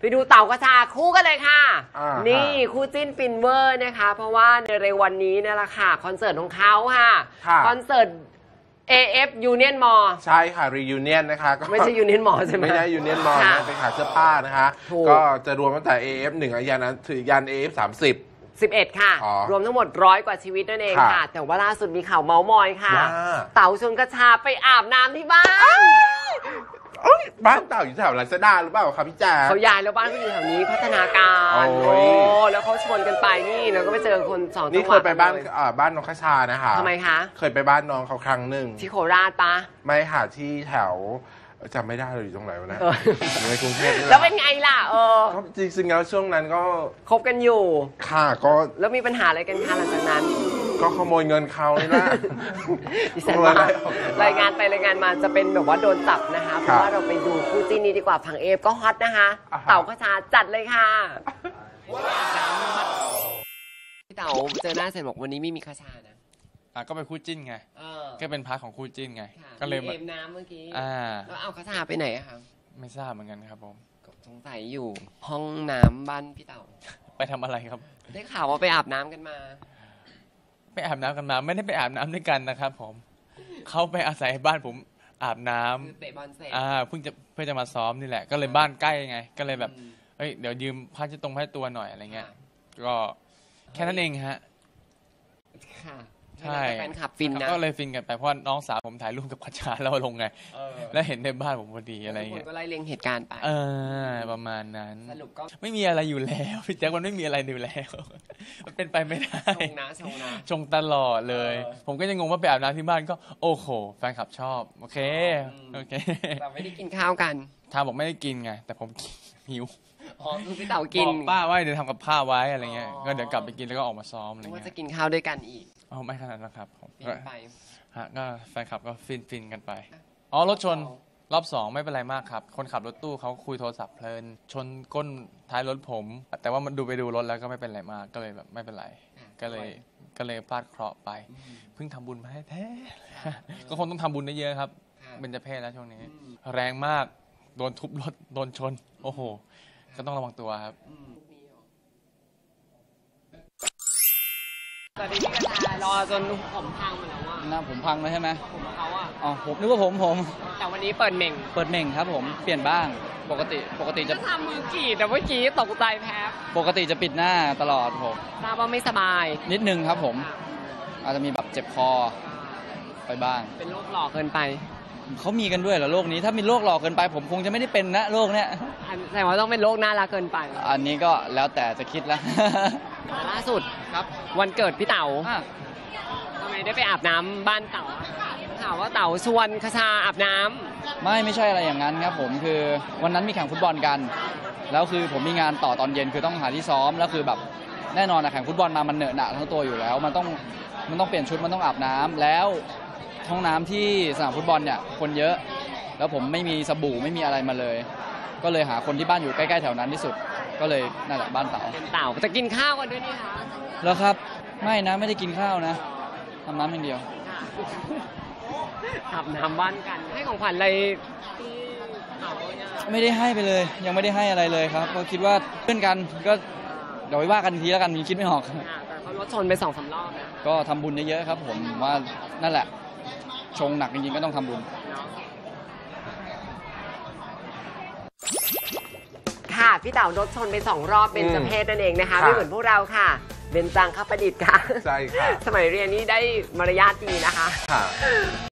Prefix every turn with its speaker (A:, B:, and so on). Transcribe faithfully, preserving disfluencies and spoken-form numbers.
A: ไปดูเต่ากระชาคู่กันเลยค่ะนี่คู่จิ้นฟินเวอร์นะคะเพราะว่าในเร็ววันนี้นี่แหละค่ะคอนเสิร์ตของเขาค่ะคอนเสิร์ต เอ เอฟ Union Mall
B: ใช่ค่ะ Reunion นะคะ
A: ไม่ใช่ Union Mall ใช่ไหม
B: ไม่ใช่ Union Mall นะเป็นขายเสื้อผ้านะคะก็จะรวมตั้งแต่ เอ เอฟ หนึ่งยันถึงยัน เอ เอฟ สามสิบ
A: สิบเอ็ดค่ะรวมทั้งหมดร้อยกว่าชีวิตนั่นเองค่ะแต่ว่าล่าสุดมีข่าวเมาส์มอยค่ะเต่าชวนกระชาไปอาบน้ำที่บ้าน
B: บ้านเต่าอยู่แถวลาซาด้าหรือเปล่าครับพี่แจ๊ค
A: เขาย้ายแล้วบ้านเขาอยู่แถวนี้พัฒนาการโอ้แล้วเขาชวนกันไปนี่แล้วก็ไปเจอคนสองจังหวัด
B: นี่เคยไปบ้านบ้านน้องคชานะคะ
A: ทำไมคะ
B: เคยไปบ้านน้องเขาครั้งหนึ่ง
A: ที่โคราชปะ
B: ไม่ค่ะที่แถวจำไม่ได้เลยอยู่ตรงไหนวะนะในกรุงเทพ
A: แล้วเป็นไงล่ะเออ
B: จริงๆแล้วช่วงนั้นก็
A: คบกันอยู่
B: ค่ะก็
A: แล้วมีปัญหาอะไรกันคะหลังจากนั้น
B: ก็ขโมยเงินเขานี่แหละ
A: ดิฉันว่ารายงานไปรายงานมาจะเป็นแบบว่าโดนจับนะคะเพราะว่าเราไปดูคู่จิ้นนี้ดีกว่าฝั่งเอฟก็ฮอตนะคะเต่าคชาจัดเลยค่ะพี่เต่าเจอหน้าเสร็จบอกวันนี้ไม่มีคชานะ
C: อ่ะก็เป็นคู่จิ้นไงก็เป็นพาร์ทของคู่จิ้นไงก็เลย
A: เอมน้ำเมื่อกี้แล้วเอาคชาไปไหนอะคะ
C: ไม่ทราบเหมือนกันครับผม
A: สงสัยอยู่ห้องน้ำบ้านพี่เต่า
C: ไปทำอะไรครับ
A: ได้ข่าวว่าไปอาบน้ำกันมา
C: ไปอาบน้ำกันมาไม่ได้ไปอาบน้ำด้วยกันนะครับผมเขาไปอาศัยบ้านผมอาบน้
A: ำเตะบอลเสร็จ
C: อ่าเพิ่งจะเพื่อจะมาซ้อมนี่แหละก็เลยบ้านใกล้ไงก็เลยแบบเฮ้ยเดี๋ยวยืมผ้าเช็ดตรงผ้าตัวหน่อยอะไรเงี้ยก็แค่นั้นเองฮะ
A: ค่ะใช่แฟนคลับฟินนะ
C: ก็เลยฟินกันไปเพราะน้องสาวผมถ่ายรูปกับคชาแล้วลงไงแล้วเห็นในบ้านผมพอดีอะไรเงี้ย
A: ก็ไล่เลียงเหตุการณ์ไป
C: เออประมาณนั้น
A: สรุปก็
C: ไม่มีอะไรอยู่แล้วพี่แจ๊คมันไม่มีอะไรอยู่แล้วมันเป็นไปไม่ได้
A: ชงนะชงนะ
C: ชงตลอดเลยผมก็ยังงงว่าไปอาบน้ำที่บ้านก็โอ้โหแฟนคลับชอบโอเคโอเค
A: แต่ไม่ได้กินข้าวกัน
C: ทาบอกไม่ได้กินไงแต่ผมหิว
A: อ๋อคือพี่เต่ากิน
C: ป้าว่าเดี๋ยวทำกับข้าวไว้อะไรเงี้ยก็เดี๋ยวกลับไปกินแล้วก็ออกมาซ้อมอะไรเงี้ย
A: ว่าจะกินข้าวด้วยกันอีก
C: อ๋อไม่ขนาดนั้นครับผม
A: ไป
C: ฮะก็แฟนคลับก็ฟินฟินกันไปอ๋อรถชนรอบสองไม่เป็นไรมากครับคนขับรถตู้เขาคุยโทรศัพท์เพลินชนก้นท้ายรถผมแต่ว่ามันดูไปดูรถแล้วก็ไม่เป็นไรมากก็เลยแบบไม่เป็นไรก็เลยก็เลยพลาดเคราะห์ไปเพิ่งทำบุญมาแท้ๆก็คงต้องทำบุญเยอะๆครับเป็นเจ้าเพศแล้วช่วงนี้แรงมากโดนทุบรถโดนชนโอ้โหก็ต้องระวังตัวครับ
A: ตอนนี้พี่กระชารอจนผมพังหมดแล้วอ่ะ
C: หน้าผมพังเลยใช่ไหม
A: ผมเขาอ่ะ
C: อ๋อผมนึกว่าผมผม
A: แต่วันนี้เปิดเม่ง
C: เปิดเม่งครับผมเปลี่ยนบ้างปกติปกติจะ
A: ทำมือกีดแต่เมื่อกี้ตกใจแพ้
C: ปกติจะปิดหน้าตลอดผม
A: ทราบว่าไม่สบาย
C: นิดนึงครับผมอาจจะมีแบบเจ็บคอไปบ้าง
A: เป็นโรคหลอกเกินไป
C: เขามีกันด้วยเหรอโรคนี้ถ้ามีโรคหลอกเกินไปผมคงจะไม่ได้เป็นนะโรคเนี้ย
A: แต่ว่าต้องเป็นโรคน่ารักเกินไป
C: อันนี้ก็แล้วแต่จะคิดแล้ว
A: ล่าสุดครับวันเกิดพี่เต๋าทำไมได้ไปอาบน้ำบ้านเต๋าข่าวว่าเต๋าชวนคชาอาบน้
C: ำไม่ไม่ใช่อะไรอย่างนั้นครับผมคือวันนั้นมีแข่งฟุตบอลกันแล้วคือผมมีงานต่อตอนเย็นคือต้องหาที่ซ้อมแล้วคือแบบแน่นอนนะแข่งฟุตบอลมามันเหนอะหนะทั้งตัวอยู่แล้วมันต้องมันต้องเปลี่ยนชุดมันต้องอาบน้ำแล้วห้องน้ำที่สนามฟุตบอลเนี่ยคนเยอะแล้วผมไม่มีสบู่ไม่มีอะไรมาเลยก็เลยหาคนที่บ้านอยู่ใกล้ๆแถวนั้นที่สุดก็เลยนั่นแหละบ้านเต๋า
A: เต๋าจะกินข้าวกันด้วยนี่คะ
C: แล้วครับไม่นะไม่ได้กินข้าวนะทำน้ำอย่างเดียว
A: อาบน้ำบ้านกันให้ของขวัญอะไร
C: ไม่ได้ให้ไปเลยยังไม่ได้ให้อะไรเลยครับก็คิดว่าเพื่อนกันก็เดี๋ยวไปว่ากันทีแล้วกันมีคิดไม่ออก
A: แต่เขารถชนไปสองสามรอบนะ
C: ก็ทำบุญเยอะๆครับผมว่านั่นแหละชงหนักจริงๆก็ต้องทำบุญ
A: ค่ะพี่เต๋ารถชนไปสองรอบเป็นเจ้าเพศนั่นเองนะคะไม่เหมือนพวกเราค่ะเบญจังคประดิษฐ์ค่ะ
B: ใช่ค่ะ
A: สมัยเรียนนี้ได้มารยาทดีนะคะ
B: ค่ะ